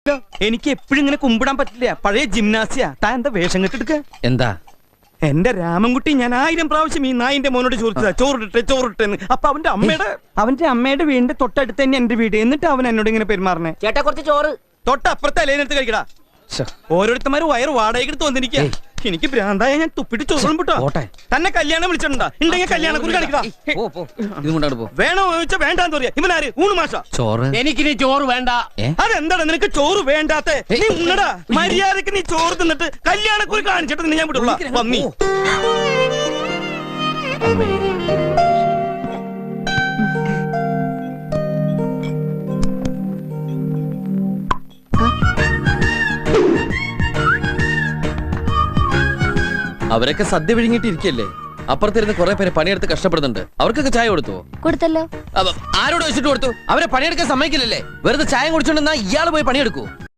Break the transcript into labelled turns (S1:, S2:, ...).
S1: എനിക്ക് എപ്പോഴും ഇങ്ങനെ കുമ്പിടാൻ പറ്റില്ല. പഴയ ജിംനാസിയ. താൻ എന്താ വേഷം കെട്ടെടുക്ക?
S2: എന്താ
S1: എന്റെ രാമൻകുട്ടി ഞാൻ 1000 പ്രാവശ്യം ഈ നായിന്റെ മോനോട് ചോദിച്ചതാ ചോറിട്ടെന്ന്. അപ്പൊ അവന്റെ അമ്മയുടെ വീടിന്റെ തൊട്ടടുത്ത് തന്നെ എന്റെ വീട്. എന്നിട്ട് അവൻ എന്നോട് ഇങ്ങനെ പെരുമാറണേ.
S3: ചേട്ടാ കുറച്ച് ചോറ്
S1: തൊട്ടപ്പുറത്തെ അലേനെടുത്ത് കഴിക്കടാ. ഓരോരുത്തന്മാര് വയറ് വാടകയ്ക്ക് വന്നിരിക്കുക. എനിക്ക് ഭ്രാന്തായ ഞാൻ തുപ്പിട്ട് ചോറും വിട്ടോ. തന്നെ കല്യാണം വിളിച്ചിട്ടുണ്ടാ? ഉണ്ടെങ്കിൽ കല്യാണം കുറി കാണിക്കടാ. വേണോ ചോദിച്ചാ വേണ്ടാന്ന് പറയാ. ഇവനാര്? ഊണ് മാഷ.
S2: ചോറ്
S3: എനിക്കിനി ചോറ് വേണ്ട.
S1: അതെന്താണ് നിനക്ക് ചോറ് വേണ്ടാത്ത? നീ ഉണ്ണടാ. മര്യാദക്ക് നീ ചോറ് തിന്നിട്ട് കല്യാണം കുറി കാണിച്ചിട്ട് നിന്നെ ഞാൻ വിടുള്ള വന്നി.
S2: അവരൊക്കെ സദ്യ വിഴുങ്ങിട്ടിരിക്കല്ലേ. അപ്പുറത്തിരുന്ന് കുറെ പേര് പണിയെടുത്ത് കഷ്ടപ്പെടുന്നുണ്ട്. അവർക്കൊക്കെ ചായ
S4: കൊടുത്തല്ലോ.
S2: ആരോട് വെച്ചിട്ട് കൊടുത്തു? അവരെ പണിയെടുക്കാൻ സമ്മതിക്കില്ലല്ലേ. വെറുതെ ചായ കുടിച്ചോണ്ടെന്നാ ഇയാള് പോയി പണിയെടുക്കൂ.